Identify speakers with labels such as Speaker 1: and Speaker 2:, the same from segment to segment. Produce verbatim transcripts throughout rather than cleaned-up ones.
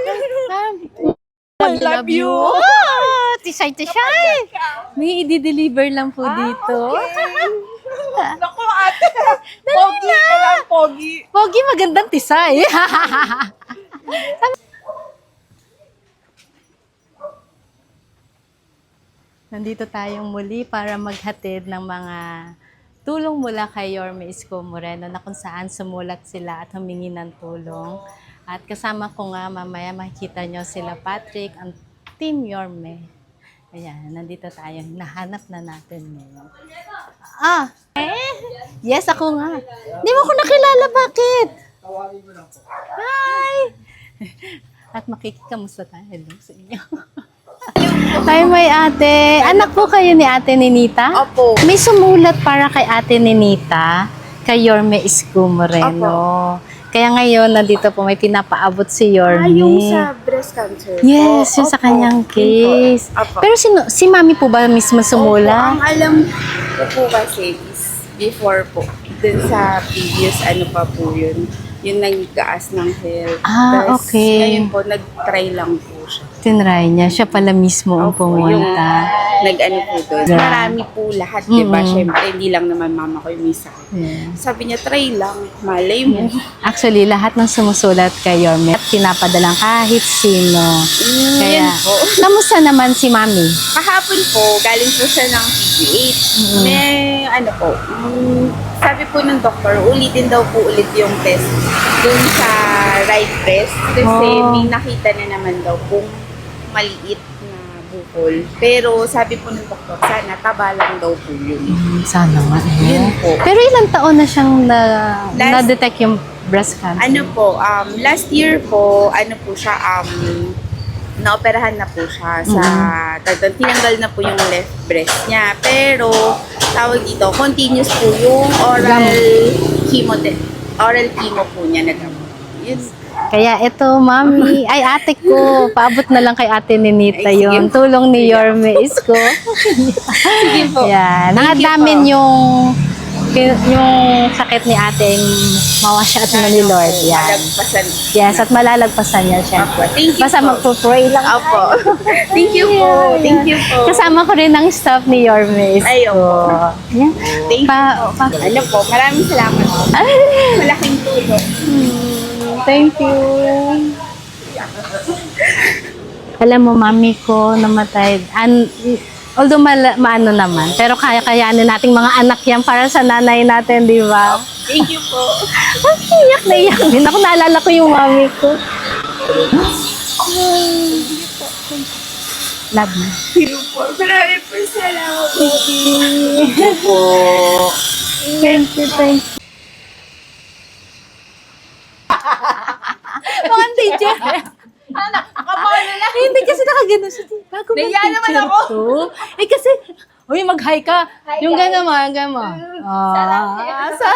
Speaker 1: I love you.
Speaker 2: Oh, tisay, tisay. May i-deliver lang po dito.
Speaker 1: Naku, ate. Pogi ka lang, pogi.
Speaker 2: Pogi, magandang tisay. Nandito tayong muli para maghatid ng mga tulong mula kay Yorme Isko Moreno na kung saan sumulat sila at humingi ng tulong. At kasama ko nga mamaya makikita nyo sila Patrick, ang Team Yorme. Ayan, nandito tayo. Nahanap na natin ngayon. Ah, eh? Yes, ako nga. Di mo ko nakilala, bakit? Hi! At makikikamusta tayo. Hello sa inyo. Hi, may ate. Anak po kayo ni Ate Ninita?
Speaker 1: Opo.
Speaker 2: May sumulat para kay Ate Ninita, kay Yorme Isko Moreno. Kaya ngayon, nandito po may pinapaabot si Yorme.
Speaker 1: Ah, yung sa breast cancer.
Speaker 2: Yes,
Speaker 1: po.
Speaker 2: yung sa
Speaker 1: Opo.
Speaker 2: kanyang case.
Speaker 1: Opo.
Speaker 2: Pero sino, si Mami po ba mismo
Speaker 1: Opo,
Speaker 2: sumula?
Speaker 1: ang alam ko po kasi is before po, dun sa previous ano pa po yun, yung nagkaas ng health.
Speaker 2: Ah,
Speaker 1: Tas
Speaker 2: okay.
Speaker 1: ngayon po, nag-try lang po siya.
Speaker 2: Tinry niya. Siya pala mismo ang
Speaker 1: Opo, yung
Speaker 2: pumunta.
Speaker 1: nag-ano po doon.
Speaker 2: Yeah.
Speaker 1: Marami po lahat, di ba?
Speaker 2: Mm-mm.
Speaker 1: Siyempre, hindi lang naman mama ko yung may sakit.
Speaker 2: Yeah.
Speaker 1: Sabi niya, try lang. Malay mo.
Speaker 2: Actually, lahat ng sumusulat kay Yorme at pinapadalang kahit sino.
Speaker 1: Mm,
Speaker 2: Kaya,
Speaker 1: yun po.
Speaker 2: kamusta naman si Mami?
Speaker 1: Kahapon po, galing po siya ng P G H.
Speaker 2: Mm-mm.
Speaker 1: May, ano po, mm, sabi po ng doktor, ulitin daw po ulit yung test dun sa right breast. Kasi
Speaker 2: Oh.
Speaker 1: may nakita na naman daw pong maliit na bukol. Pero sabi po ng doktor, sana taba lang daw po yun.
Speaker 2: Hmm, sana nga.
Speaker 1: Yun po.
Speaker 2: Pero ilang taon na siyang na,
Speaker 1: Last-
Speaker 2: na-detect yung breast cancer?
Speaker 1: Ano po, um, last year po, ano po siya, um, naoperahan na po siya sa, mm tinanggal na po yung left breast niya. Pero, tawag dito, continuous po yung oral chemo, oral chemo po niya na gamot. Yun.
Speaker 2: Kaya ito, Mami, ay ate ko, paabot na lang kay Ate Ninita
Speaker 1: Ay, sige
Speaker 2: yun.
Speaker 1: po.
Speaker 2: Tulong ni Yorme Isko.
Speaker 1: Sige po.
Speaker 2: Yan.
Speaker 1: Thank you
Speaker 2: Nakadamin
Speaker 1: po.
Speaker 2: yung yung sakit ni ate mawasya at ni Lord. Yan.
Speaker 1: Malagpasan.
Speaker 2: Yes, at malalagpasan niya siya.
Speaker 1: Apo. Thank you
Speaker 2: Basta
Speaker 1: po.
Speaker 2: magpo-pray lang.
Speaker 1: Opo. Thank you po. Thank you po.
Speaker 2: Kasama ko rin ang staff ni Yorme Isko.
Speaker 1: Ay, opo.
Speaker 2: Yan.
Speaker 1: Thank you
Speaker 2: Pa,
Speaker 1: po.
Speaker 2: pa,
Speaker 1: Ano po, maraming salamat po.
Speaker 2: ay,
Speaker 1: Malaking tulong.
Speaker 2: thank you. Alam mo, mami ko namatay. An although mal maano naman, pero kaya-kayanin nating mga anak yan para sa nanay natin, di ba?
Speaker 1: Thank you po.
Speaker 2: Ang iyak na iyak din. Ako naalala ko yung mami ko. Love me.
Speaker 1: Thank you po. Maraming po salamat po.
Speaker 2: po. Thank you, thank you. Mga teacher.
Speaker 1: Anak, kabalo lang.
Speaker 2: Eh, hindi kasi nakagano siya. Bago ba
Speaker 1: Nahiya naman
Speaker 2: teacher
Speaker 1: ako.
Speaker 2: to? Eh kasi, uy, mag-hi ka. Yung gano'n mo, yung gano'n mo. Ah, sa...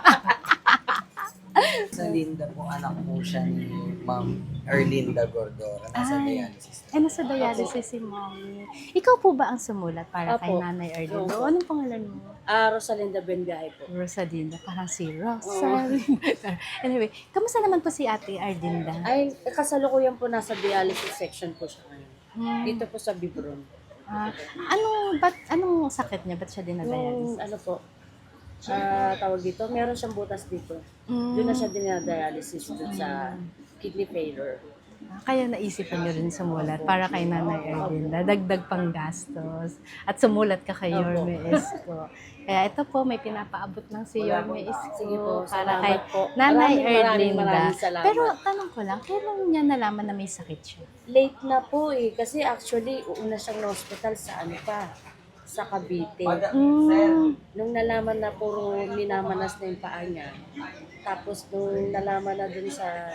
Speaker 3: Sa Linda po, anak po siya ni Ma'am Erlinda Gordora. Nasa
Speaker 2: Ay.
Speaker 3: dialysis.
Speaker 2: Eh, nasa dialysis si mommy. Ikaw po ba ang sumulat para kay
Speaker 4: Apo.
Speaker 2: Nanay Erlinda?
Speaker 4: Opo.
Speaker 2: Anong pangalan mo?
Speaker 4: Ah, Rosalinda Bengahe po.
Speaker 2: Rosalinda. Parang si Rosalinda. Anyway, kamusta naman po si Ate Erlinda?
Speaker 4: Ay, kasalukuyan po nasa dialysis section po siya ngayon.
Speaker 2: Hmm.
Speaker 4: Dito po sa Bibron.
Speaker 2: Ah, anong, ba't, anong sakit niya? Ba't siya
Speaker 4: Yung
Speaker 2: dinadialysis?
Speaker 4: ano po, ah, tawag dito, meron siyang butas dito.
Speaker 2: Mm.
Speaker 4: Doon na siya dinadialysis dun sa kidney failure.
Speaker 2: Kaya naisipan niyo rin sumulat para kay Nanay Erlinda. Dagdag pang gastos. At sumulat ka kay
Speaker 4: Opo.
Speaker 2: Yorme Isko. Kaya ito po, may pinapaabot ng si Yorme Isko
Speaker 4: Sige po,
Speaker 2: para
Speaker 4: salamat
Speaker 2: kay
Speaker 4: po.
Speaker 2: Nanay
Speaker 4: Maraming, maraming,
Speaker 2: Erlinda.
Speaker 4: maraming salamat.
Speaker 2: Pero tanong ko lang, kailan niya nalaman na may sakit siya?
Speaker 4: Late na po eh, kasi actually, uuna siyang na-hospital sa ano pa, sa Cavite.
Speaker 2: Mm.
Speaker 4: Nung nalaman na puro minamanas na yung paa niya, tapos nung nalaman na dun sa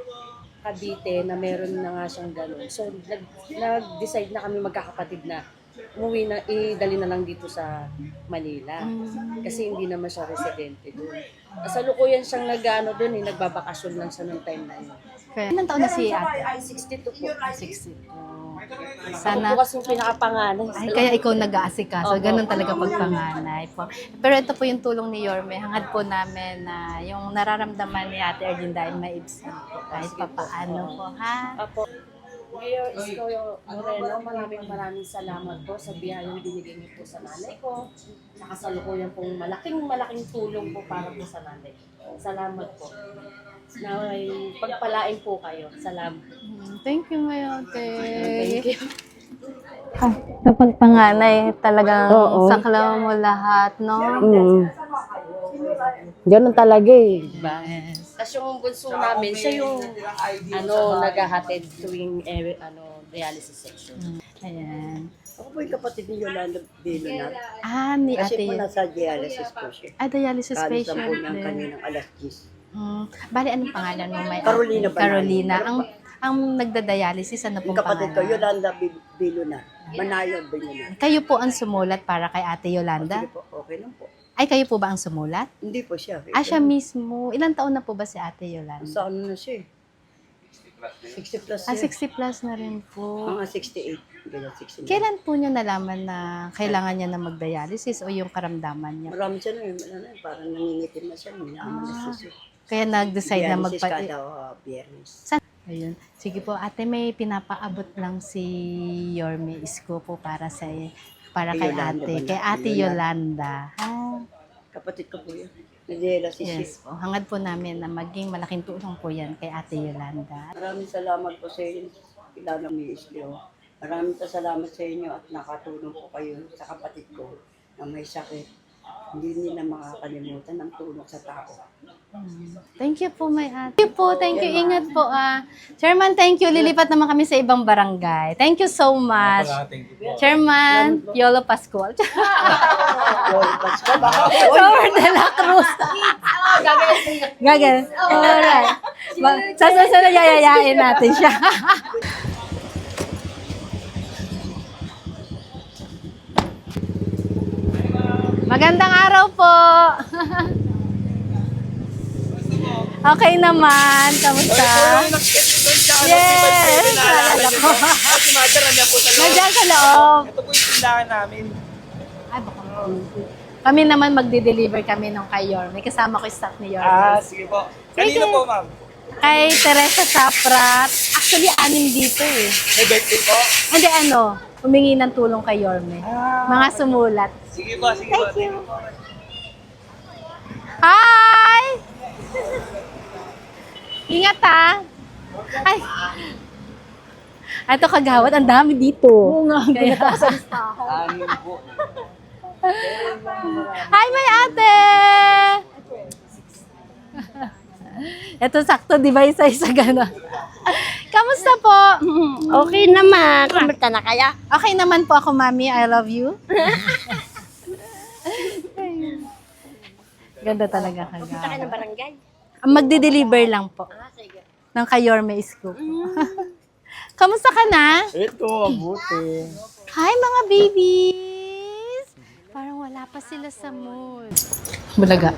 Speaker 4: Cavite na meron na nga siyang gano'n. So, nag, nag-decide na kami magkakapatid na umuwi na, idali na lang dito sa Manila. Kasi hindi naman siya residente doon. Kasalukuyan siyang nag-ano doon, eh, nagbabakasyon lang siya noong time na yun.
Speaker 2: Kaya, ilang taon na si ate?
Speaker 4: sixty-two po.
Speaker 2: sixty-two.
Speaker 4: Ako
Speaker 2: Sana,
Speaker 4: po kasi yung pinakapanganay.
Speaker 2: ay, kaya ikaw nag-aasikaso.
Speaker 4: Opo.
Speaker 2: Ganun talaga pag panganay po. Pero ito po yung tulong ni Yorme. Hangad po namin na yung nararamdaman ni Ate Erlinda ay maibsan po. Kahit pa paano po, ha?
Speaker 4: Apo. Mayor Isko Moreno, maraming maraming salamat po sa biyayang binigay niyo po sa nanay ko. Nakasalukuyan pong malaking malaking tulong po para po sa nanay. Salamat po. Naway pagpalain po kayo. Salamat.
Speaker 2: Thank you, my ate.
Speaker 4: Thank you.
Speaker 2: Ay, kapag panganay, talagang
Speaker 5: Oo.
Speaker 2: saklaw mo lahat, no?
Speaker 5: Mm. Ganun talaga eh.
Speaker 2: Yes.
Speaker 4: Tapos yung bunso namin, siya yung ano, naghahatid tuwing eh, ano, dialysis section.
Speaker 2: Ayan.
Speaker 6: Ako po yung kapatid ni Yolanda Bilonat.
Speaker 2: Ah, ni
Speaker 6: Kasi
Speaker 2: ate
Speaker 6: po
Speaker 2: yun.
Speaker 6: nasa dialysis po siya.
Speaker 2: Ah, dialysis
Speaker 6: Kalis
Speaker 2: patient
Speaker 6: lang po niya
Speaker 2: din.
Speaker 6: kaninang alas diyes.
Speaker 2: Mm. Bali, anong pangalan mo? May
Speaker 6: Carolina Banal.
Speaker 2: Carolina. Ang ang nagda-dialysis, ano
Speaker 6: Yung
Speaker 2: pong
Speaker 6: kapatid ko,
Speaker 2: pangalan?
Speaker 6: Yolanda Bil- Bilonat. Manayog Bilonat.
Speaker 2: Kayo po ang sumulat para kay Ate Yolanda?
Speaker 6: Sige po, okay lang po.
Speaker 2: Ay, kayo po ba ang sumulat?
Speaker 6: Hindi po siya.
Speaker 2: Ah, siya mismo. Ilang taon na po ba si Ate Yolanda?
Speaker 6: Sa ano na siya eh. sixty plus
Speaker 2: Ah,
Speaker 6: siya.
Speaker 2: sixty plus na rin po.
Speaker 6: Mga sixty-eight. Ganyan, sixty-nine.
Speaker 2: Kailan po niya nalaman na kailangan niya na mag-dialysis o yung karamdaman niya?
Speaker 6: Marami siya na yun. Ano, eh, parang nangingitim na siya. Minaman na
Speaker 2: Ah.
Speaker 6: siya.
Speaker 2: Kaya nag-decide na
Speaker 6: Dialysis
Speaker 2: magpa...
Speaker 6: kada uh, biyernes.
Speaker 2: Ayun. Sige po, ate, may pinapaabot lang si Yorme Isko po para sa para
Speaker 6: Kay
Speaker 2: kay
Speaker 6: Yolanda
Speaker 2: ate,
Speaker 6: ba na?
Speaker 2: kay Ate Yolanda. Ah,
Speaker 6: Kapatid ko po yun. Nadialysis siya.
Speaker 2: yes po. Hangad po namin na maging malaking tulong po yan kay Ate Yolanda.
Speaker 6: Maraming salamat po sa inyo. Kilala mi Isleo. Maraming pa salamat sa inyo at nakatulong po kayo sa kapatid ko na may sakit. Hindi nila makakalimutan ang tulong sa tao.
Speaker 2: Thank you po, may ate. Thank you po, thank you. Ingat po ah. Chairman, thank you. Lilipat naman kami sa ibang barangay. Thank you so much. Chairman, Yolo Pascual. Flor de la Cruz. Gagawin. Alright. Ma- Sa susunod, yayayain natin siya. Magandang araw po. Okay naman. Kamusta? Yes! Naalala ko. Nandiyan sa loob.
Speaker 7: Ito po yung tindahan namin.
Speaker 2: Ay, baka kami naman magde-deliver kami nung kay Yorme. Kasama ko yung staff ni Yorme.
Speaker 7: Ah, sige po. Kanino
Speaker 2: Sige.
Speaker 7: po, ma'am?
Speaker 2: Kay Teresa Saprat. Actually, anim dito eh.
Speaker 7: May birthday po?
Speaker 2: Hindi ano, humingi ng tulong kay Yorme.
Speaker 7: Ah,
Speaker 2: Mga sumulat.
Speaker 7: sige po, sige po. Thank you.
Speaker 2: Hi! Ingat ha! Ay! Ito kagawad, ang dami dito. Oo nga, kaya...
Speaker 3: Anim po.
Speaker 2: Hi, may ate! Ito sakto, di ba? Isa-isa gano'n. Kamusta po?
Speaker 5: Okay naman. Kamusta na kaya?
Speaker 2: Okay naman po ako, mami. I love you. Ganda talaga
Speaker 5: Punta ka
Speaker 2: kagawad.
Speaker 5: ng barangay.
Speaker 2: Magde-deliver lang po. Ng kay Yorme Isko. Kamusta ka na?
Speaker 7: Ito, abuti.
Speaker 2: Hi, mga babies! Parang wala pa sila sa mood. Bulaga.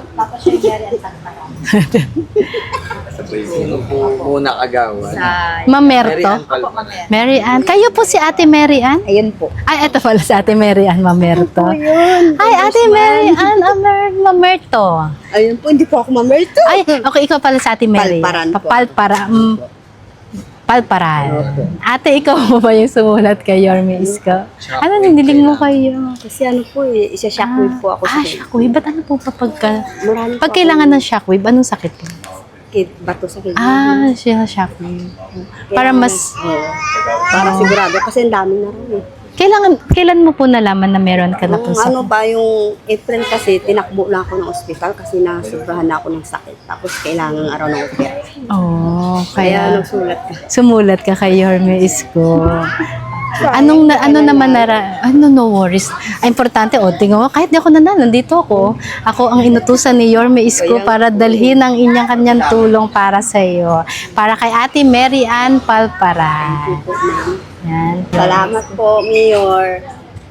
Speaker 3: Sino po muna kagawan?
Speaker 2: Ma'am
Speaker 3: Mary
Speaker 2: Merto.
Speaker 3: Ann Palma.
Speaker 2: Mary Ann. Kayo po si Ate Mary Ann?
Speaker 5: Ayun po.
Speaker 2: Ay, ito pala si Ate Mary Ann Mamerto. Hi, Ate Mary Ann Amer Mamerto.
Speaker 5: Ayun po, hindi po ako mamerto.
Speaker 2: Ay, okay, ikaw pala si Ate Mary.
Speaker 5: Palparan po.
Speaker 2: Papalpara. Mm, palparan. Ate, ikaw mo ba yung sumulat kay Yorme Isko? Ano, niniling mo kayo?
Speaker 5: Kasi ano po eh, isa shockwave po ako
Speaker 2: Ah,
Speaker 5: sa
Speaker 2: shockwave. Ba't ano po pa pagka...
Speaker 5: Marami po
Speaker 2: Pag kailangan ng shockwave, anong sakit po?
Speaker 5: kid, bato sa kid.
Speaker 2: Ah, siya shockwave. Para mas...
Speaker 5: Para sigurado kasi ang dami na rin eh.
Speaker 2: Kailangan, kailan mo po nalaman na meron ka na po
Speaker 5: Nung
Speaker 2: sa...
Speaker 5: ano ba yung April kasi, tinakbo na ako ng ospital kasi nasubrahan na ako ng sakit. Tapos kailangan araw ng operasyon.
Speaker 2: Oh,
Speaker 5: Kaya
Speaker 2: kaya
Speaker 5: nagsulat ka.
Speaker 2: sumulat ka kay Yorme Isko. Anong na, ano naman nara, ano no worries. Ay, importante, o, tingnan mo, kahit di ako nanalo, nandito ako. Ako ang inutusan ni Yorme Isko para dalhin ang inyang kanyang tulong para sa iyo. Para kay Ate Mary Ann Palpara. Yan.
Speaker 5: Salamat po, Mayor.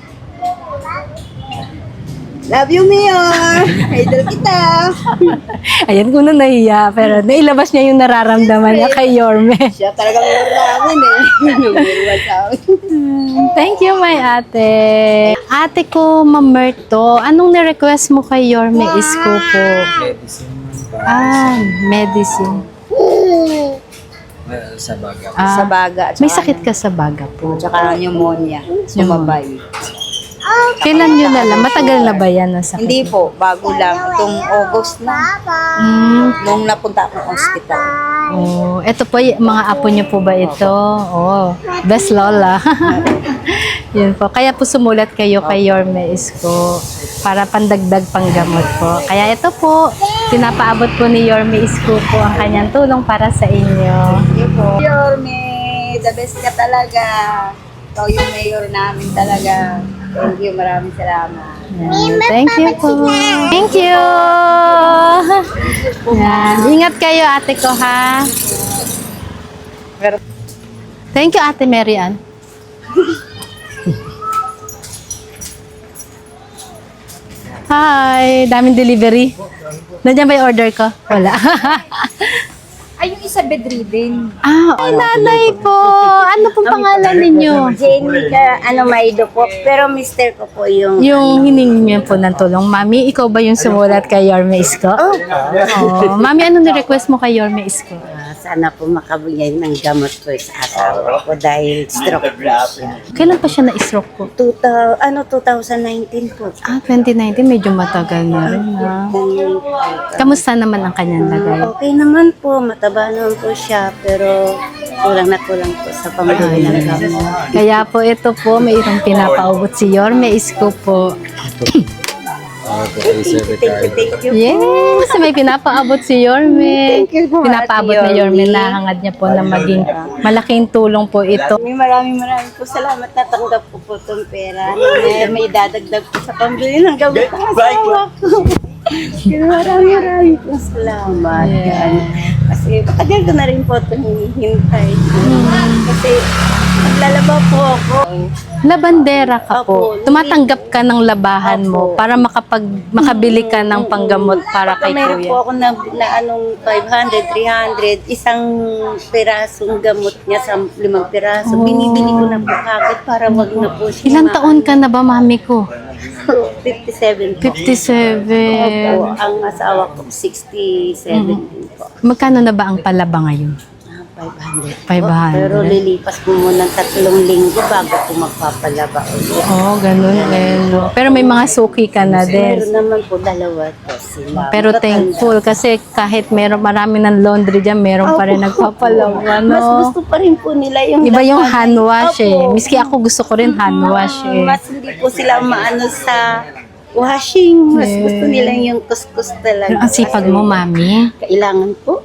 Speaker 5: Love you, Mayor. Idol kita.
Speaker 2: Ayan, kung na nahiya, pero nailabas niya yung nararamdaman niya kay Yorme.
Speaker 5: Siya talaga Mayor namin eh. Number one sa amin.
Speaker 2: Thank you, my ate. Ate ko, Ma'am Merto, anong ni-request mo kay Yorme Isko po?
Speaker 3: Medicine.
Speaker 2: Ah, medicine.
Speaker 3: Well, sa baga.
Speaker 2: Ah,
Speaker 5: Sa baga. at
Speaker 2: may
Speaker 5: saka
Speaker 2: sakit ka sa baga po.
Speaker 5: Tsaka pneumonia. Sumabay.
Speaker 2: Kailan yun na lang? Matagal na ba yan ang sakit?
Speaker 5: Hindi po, bago lang. Itong August na.
Speaker 2: Mm.
Speaker 5: Nung napunta akong hospital.
Speaker 2: Oh, ito po, y- mga apo niyo po ba ito? Oh, best lola. Yun po. Kaya po sumulat kayo kay Yorme Isko para pandagdag panggamot po. Kaya ito po, pinapaabot po ni Yorme Isko po ang kanyang tulong para sa inyo.
Speaker 5: Yorme, the best ka talaga. Ikaw yung mayor namin talaga. Thank you, maraming salamat.
Speaker 2: Yan. Thank you po. Thank you. Yan. Ingat kayo, ate ko, ha? Thank you, Ate Mary Ann. Hi, daming delivery. Nandiyan ba yung order ko? Wala.
Speaker 8: Ay, yung isa bedridden.
Speaker 2: Ah, oh, nanay po. Ano pong pangalan ninyo?
Speaker 5: Jenny ka, ano, Maido po. Pero mister ko po yung...
Speaker 2: Yung hiningi niyo po ng tulong. Mami, ikaw ba yung sumulat kay Yorme Isko? Oh. Mami, ano ni-request mo kay Yorme Isko?
Speaker 5: Ah, sana po makabigay ng gamot po sa asawa ko dahil stroke po siya.
Speaker 2: Kailan pa siya na-stroke po?
Speaker 5: Two thou- ano, twenty nineteen po.
Speaker 2: Ah, twenty nineteen, medyo matagal na rin, ha? Kamusta naman ang kanyang lagay?
Speaker 5: Okay naman po, mataba naman po siya, pero kulang na kulang po sa pamilya ng gamot.
Speaker 2: Kaya po ito po, mayroong pinapaubot si Yorme Isko po.
Speaker 5: Thank you, thank you.
Speaker 2: Yes, may pinapaabot si Yorme.
Speaker 5: Thank you po,
Speaker 2: Pinapaabot
Speaker 5: Ate
Speaker 2: ni Yorme,
Speaker 5: Yorme.
Speaker 2: nahangad niya po na maging malaking tulong po ito.
Speaker 5: May maraming maraming po salamat na tanggap ko po itong pera. May, may dadagdag po sa pambili ng gamot ng asawa ko. Pero maraming maraming po salamat. Yan. Kasi matagal ko na rin po ito hinihintay. Kasi naglalaba po ako.
Speaker 2: Labandera ka po.
Speaker 5: Opo.
Speaker 2: Tumatanggap ka ng labahan mo
Speaker 5: Opo.
Speaker 2: para makapag makabili ka ng panggamot para kay
Speaker 5: Meron po
Speaker 2: kuya.
Speaker 5: ako na, na anong five hundred, three hundred, isang pirasong gamot niya sa limang piraso. Binibili ko na po kagad para wag na po siya.
Speaker 2: Ilang taon ka na ba, mami ko?
Speaker 5: fifty-seven po.
Speaker 2: fifty-seven.
Speaker 5: Opo, ang asawa ko sixty-seven din po.
Speaker 2: Magkano na ba ang palaba ngayon?
Speaker 5: Ah, five hundred po.
Speaker 2: five hundred.
Speaker 5: Pero lilipas po muna ng tatlong linggo bago po magpapalaba ulit.
Speaker 2: Oo, oh, ganun eh. No? Pero may mga suki ka na din.
Speaker 5: Meron naman po dalawa po sila.
Speaker 2: Pero
Speaker 5: Matatanda.
Speaker 2: thankful kasi kahit meron marami ng laundry dyan, meron pa rin
Speaker 5: Opo.
Speaker 2: nagpapalawa,
Speaker 5: Mas
Speaker 2: no?
Speaker 5: gusto pa rin po nila yung
Speaker 2: Iba yung
Speaker 5: laban.
Speaker 2: hand wash eh.
Speaker 5: Opo.
Speaker 2: Miski ako gusto ko rin hand wash eh.
Speaker 5: Mas hindi po sila maano sa washing. Mas
Speaker 2: Yeah.
Speaker 5: gusto nila yung kuskus talaga.
Speaker 2: Ang sipag mo, mami.
Speaker 5: Kailangan po.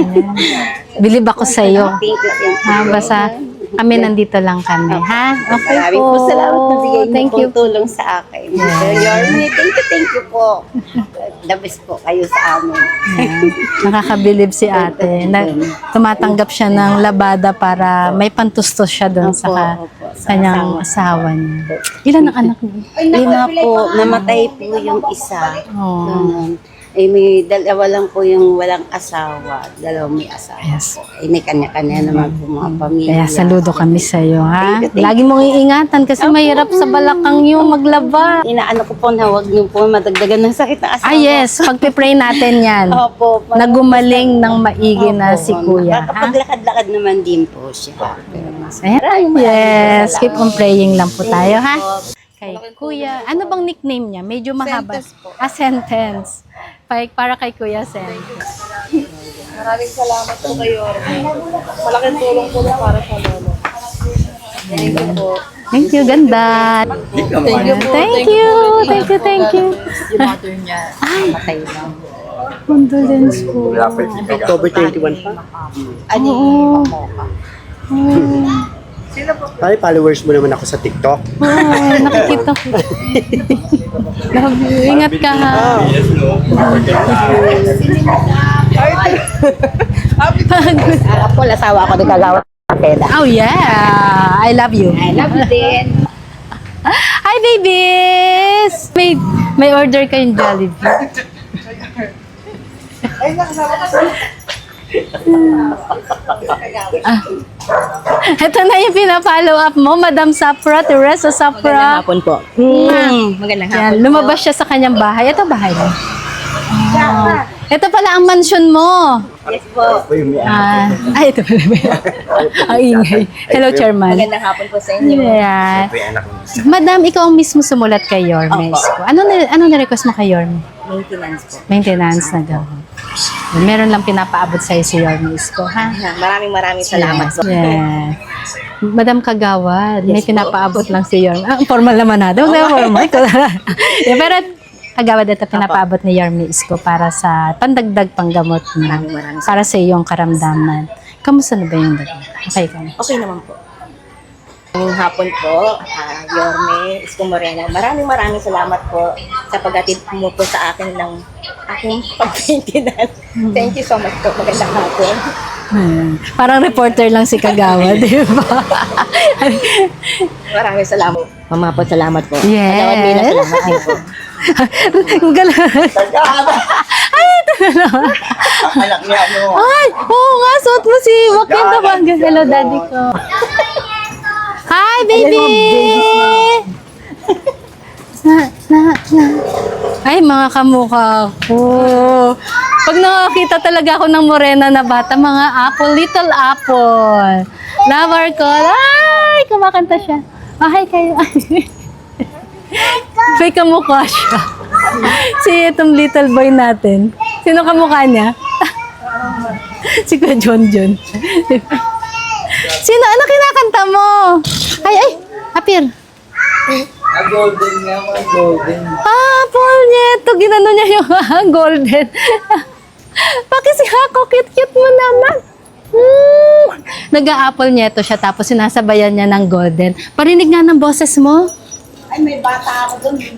Speaker 2: Bilib ako sa'yo.
Speaker 5: Thank you, thank you.
Speaker 2: Ha, basta kami nandito lang kami, ha? Okay
Speaker 5: Maraming
Speaker 2: po.
Speaker 5: po salamat na bigay niyo
Speaker 2: Thank
Speaker 5: po
Speaker 2: you.
Speaker 5: tulong sa akin. Sir Yorme, thank you, thank you po. The best po kayo sa amin.
Speaker 2: Yan. Nakakabilib si ate. Na, tumatanggap siya ng labada para may pantustos siya doon sa, ka,
Speaker 5: Opo, opo, sa
Speaker 2: kanyang asawa niya. Ilan ang anak niya?
Speaker 5: Lima po, namatay po yung isa.
Speaker 2: Oh.
Speaker 5: Ganun. Eh, may dalawa lang po yung walang asawa. Dalawa may asawa
Speaker 2: Yes.
Speaker 5: po. Eh, may kanya-kanya naman po mga pamilya.
Speaker 2: Kaya saludo kami sa iyo, ha?
Speaker 5: Thank you, thank
Speaker 2: Lagi mong iingatan kasi mahirap sa balakang yung maglaba.
Speaker 5: Inaano ko po na huwag niyo po madagdagan ng sakit ng asawa.
Speaker 2: Ah, yes. Pagpipray natin yan.
Speaker 5: Opo.
Speaker 2: Nagumaling ng maigi na
Speaker 5: Opo,
Speaker 2: si kuya, ha?
Speaker 5: Nakapaglakad-lakad naman din po siya. Pero mas
Speaker 2: Ayan.
Speaker 5: maraming maraming
Speaker 2: Yes. Keep on
Speaker 5: salamat.
Speaker 2: praying lang po tayo, ha?
Speaker 5: Opo.
Speaker 2: Kay kuya. Ano bang nickname niya? Medyo mahaba. Ah, sentence. Pa- Para kay kuya, sentence.
Speaker 4: Maraming salamat po kayo. Malaking tulong po para sa lolo. Thank you po.
Speaker 2: Thank you, ganda.
Speaker 4: Thank you po.
Speaker 2: Thank you. Thank you, thank you.
Speaker 8: Yung mother niya, matay lang.
Speaker 2: Condolence po.
Speaker 6: October twenty-one pa?
Speaker 2: Oo.
Speaker 8: Sino po?
Speaker 9: Pare, followers mo naman ako sa TikTok.
Speaker 2: Oh, nakikita ko. Love you. Ingat ka ha.
Speaker 5: Ako, asawa ako ng kagawa ng peda.
Speaker 2: Oh yeah. I love you.
Speaker 5: I love you din.
Speaker 2: Hi babies! May, may order kayong Jollibee. Ah. Ito na yung pinapollow up mo, Madam Sapra, Teresa Sapra.
Speaker 5: hapon po. Mm, magandang
Speaker 2: Yan, lumabas siya sa kanyang bahay. Ito bahay mo. Ah. Ito pala ang mansion mo.
Speaker 5: Yes po.
Speaker 2: Ah, ay, ito pala. Ang ingay. Hello, Chairman.
Speaker 5: Magandang hapon po sa inyo.
Speaker 2: Yan. Madam, ikaw ang mismo sumulat kay Yorme. Ano na ano na request mo kay Yorme?
Speaker 5: Maintenance po.
Speaker 2: Maintenance na daw. Meron lang pinapaabot sa'yo si Yorme Isko, ha?
Speaker 5: Maraming maraming salamat po.
Speaker 2: Yeah. Madam Kagawad, may
Speaker 5: Yes po.
Speaker 2: pinapaabot lang si Yorme. Ah, formal naman na. Daw, formal. Yeah, pero Kagawad, ito pinapaabot ni Yorme Isko para sa pandagdag panggamot mo.
Speaker 5: Maraming maraming
Speaker 2: Para sa iyong karamdaman. Kamusta na ba yung dagdag? Okay ka na?
Speaker 5: Okay naman po. Ngayong hapon po, uh, Yorme Isko Moreno, maraming maraming salamat po sa paghatid mo po sa akin ng aking pag-maintenance. Thank you so much po. Magandang hapon.
Speaker 2: Hmm. Parang reporter lang si Kagawad, di ba?
Speaker 5: Maraming salamat. Mama po, salamat po.
Speaker 2: Yes.
Speaker 5: Kagawad Mina, salamat din po.
Speaker 2: Ang galang. Ay, ito na naman.
Speaker 7: Anak niya, ano?
Speaker 2: Ay, oo nga, suot mo si Joaquin Tabanga. Hello, daddy ko. Hi, baby! Na, na, na. Ay, mga kamukha ko. Pag nakakita talaga ako ng morena na bata, mga apple, little apple. Lover ko. Ay, kumakanta siya. Oh, hi kayo. May kamukha siya. Si itong little boy natin. Sino kamukha niya? Si Kuya John John. Sino? Ano kinakanta mo? Ay, ay! Apir.
Speaker 3: Ah, golden nga, mga golden.
Speaker 2: Ah, Paul Nieto. Ginano niya yung golden. Pakisi ako. Cute-cute mo naman. Hmm. Nag-a-apple Nieto siya tapos sinasabayan niya ng golden. Parinig nga ng boses mo.
Speaker 5: Ay, may bata ako doon.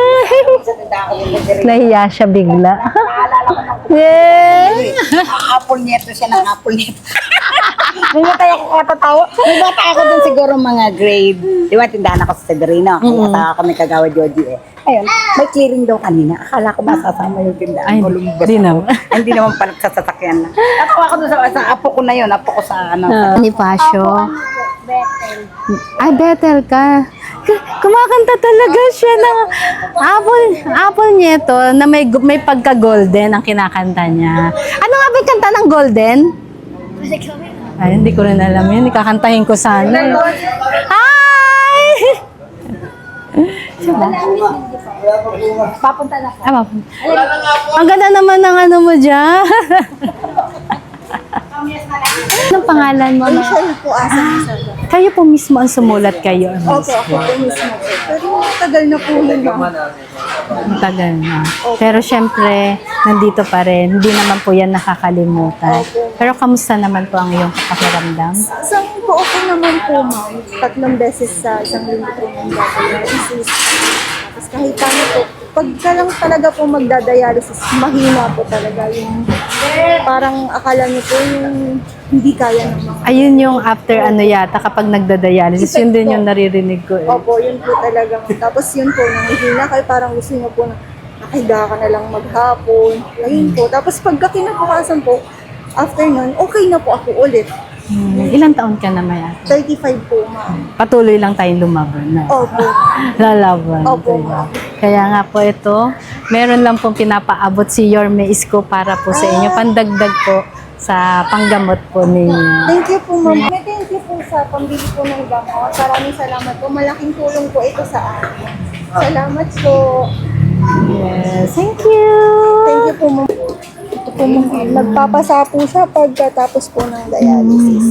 Speaker 2: Nahiya siya bigla. Yeah.
Speaker 5: Apple neto siya ng apple neto. May bata ako katatawa. May bata ako doon siguro mga grade. Di ba, tindahan ako sa Severino. Kaya mm-hmm. ako may kagawa Joji eh. Ayun, may clearing daw kanina. Akala ko masasama yung tindahan.
Speaker 2: Ay,
Speaker 5: Columbus.
Speaker 2: di naman.
Speaker 5: Ay, Hindi naman pala sa sasakyan na. Natawa ako doon sa, sa apo ko na yun. Apo ko sa ano.
Speaker 2: Ni Pasyo. Ay, Bethel ka. K- Kumakanta talaga siya ng apple, apple Nieto na may, may pagka-golden ang kinakanta niya. Ano nga ba yung kanta ng golden? Ay, hindi ko rin alam yun. Ikakantahin ko sana. Hi!
Speaker 5: Papunta na ako.
Speaker 2: Ah, papunta. Ang ganda naman ng ano mo dyan. Anong pangalan mo?
Speaker 10: Michelle po, asa sa
Speaker 2: Kayo po mismo ang sumulat kayo.
Speaker 10: Opo, ako po mismo po. Pero tagal na po yun.
Speaker 2: Tagal na. Pero syempre, nandito pa rin. Hindi naman po yan nakakalimutan. Pero kamusta naman po ang iyong pakiramdam?
Speaker 10: Isang po okay naman po, ma'am. Tatlong beses sa isang linggo po ng dialysis. Tapos kahit ano po, pagka lang talaga po magdadialysis, mahina po talaga yung parang akala niyo po yung hindi kaya ng mga.
Speaker 2: Ayun yung after ano yata, kapag nagdadialysis, yun din yung naririnig ko. Eh.
Speaker 10: Opo, yun po talaga. Tapos yun po, nanghihina kayo, parang gusto niyo po na nakahiga ka na lang maghapon. Ayun po. Tapos pagka kinabukasan po, after nun, okay na po ako ulit.
Speaker 2: Hmm. Ilang taon ka na maya?
Speaker 10: thirty-five po, ma'am.
Speaker 2: Patuloy lang tayong lumaban na.
Speaker 10: Opo.
Speaker 2: Lalaban.
Speaker 10: Opo,
Speaker 2: diba?
Speaker 10: ma'am.
Speaker 2: Kaya nga po ito, meron lang pong pinapaabot si Yorme Isko para po sa inyo. Pandagdag po sa panggamot po ninyo.
Speaker 10: Thank you po, ma'am. May thank you po sa pambili po ng gamot. Maraming salamat po. Malaking tulong po ito sa akin. Salamat po.
Speaker 2: Yes, thank you.
Speaker 10: Thank you po, ma'am. Ito po, ma'am. Nagpapasa po siya pagkatapos po ng dialysis.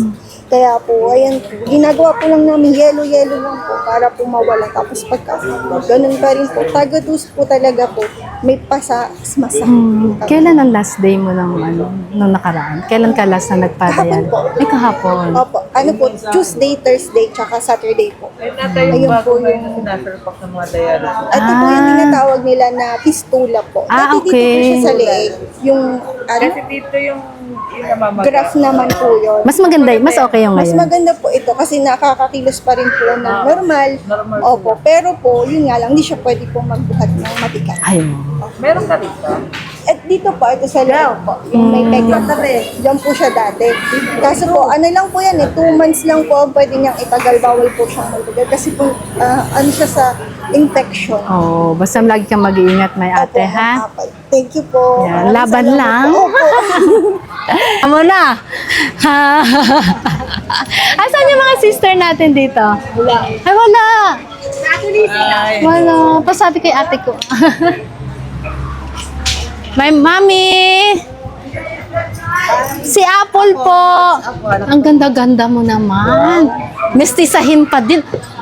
Speaker 10: Kaya po, ayan po, ginagawa po lang namin yelo-yelo lang po para po mawala. Tapos pagka ganun pa rin po, taga-dus po talaga po, may pasa, masakit po. talaga.
Speaker 2: Kailan ang last day mo ng ano, nung nakaraan? Kailan ka last na nagpadayal?
Speaker 10: Kahapon po.
Speaker 2: Ay, kahapon.
Speaker 10: Opo, ano po, Tuesday, Thursday, tsaka Saturday po. Ayun po yung,
Speaker 3: Sinaserpak ng mga dialysis.
Speaker 10: ito po yung tinatawag nila na fistula po.
Speaker 2: Ah,
Speaker 10: Dati dito po
Speaker 2: okay.
Speaker 10: siya sa leeg. Yung, ano,
Speaker 3: dito yung, yung namamaga.
Speaker 10: graph naman po yun.
Speaker 2: Mas maganda, mas okay yung
Speaker 10: Mas
Speaker 2: ngayon.
Speaker 10: maganda po ito kasi nakakakilos pa rin po ng normal.
Speaker 3: Normal
Speaker 10: Opo, pero po, yun nga lang, hindi siya pwede po magbuhat ng matigas.
Speaker 2: Ay,
Speaker 3: Meron ka dito?
Speaker 10: At dito po, ito sa loob po, yung may pegla tabi. Diyan po siya dati. Kaso po, ano lang po yan eh, two months lang po ang pwede niyang itagal, bawal po siyang magtagal. Kasi po, ah, ano siya sa infection.
Speaker 2: oh, basta lagi kang mag-iingat, may ate,
Speaker 10: Opo,
Speaker 2: ha?
Speaker 10: Apay. Thank you po.
Speaker 2: Yan,
Speaker 10: Maraming
Speaker 2: laban
Speaker 10: salamat
Speaker 2: lang.
Speaker 10: po. Opo.
Speaker 2: Amo na! Asan yung mga sister natin dito? Wala. Ay, wala! Wala. Pasabi kay ate ko. My mommy! Si Apple po! Ang ganda-ganda mo naman. Mestisahin pa din.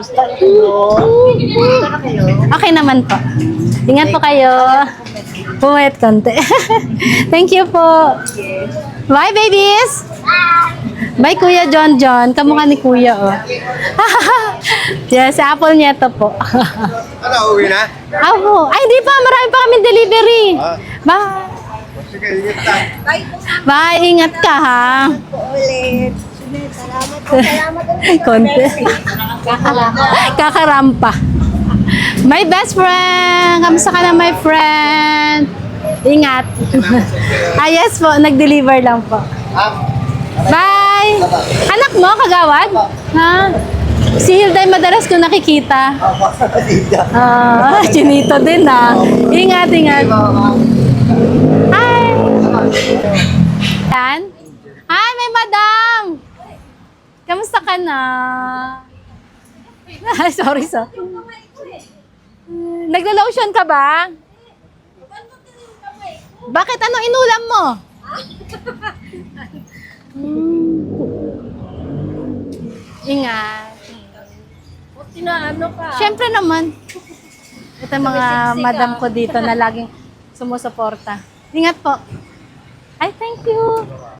Speaker 2: Okay naman po. Ingat po kayo. Pumayat konti. Thank you po. Bye, babies! Bye, Kuya John John. Kamukha ni Kuya, oh. Yes, Apple niya to po.
Speaker 9: Ano, uwi na?
Speaker 2: Ako. Ay, di pa. Marami pa kami delivery.
Speaker 9: Ah.
Speaker 2: Bye.
Speaker 9: Sige, ingat ka.
Speaker 2: Bye. Ingat ka, ha?
Speaker 10: Ulit. Salamat po. Salamat ulit.
Speaker 2: Konti. Kakarampa. My best friend. Kamusta ka na, my friend? Ingat. Ah, yes po. Nag-deliver lang po. Bye! Anak mo, kagawad? Ha? Si Hilday madalas ko nakikita. Ah, chinito din ah. Ingat, ingat. Hi! Yan? Hi, may madam! Kamusta ka na? sorry, sorry. Naglo-lotion ka ba? Bakit? Anong inulam mo? Hmm. Ingat.
Speaker 4: Tinaano ka?
Speaker 2: Siyempre naman. Ito yung mga madam ko dito na laging sumusuporta. Ingat po. Ay, thank you.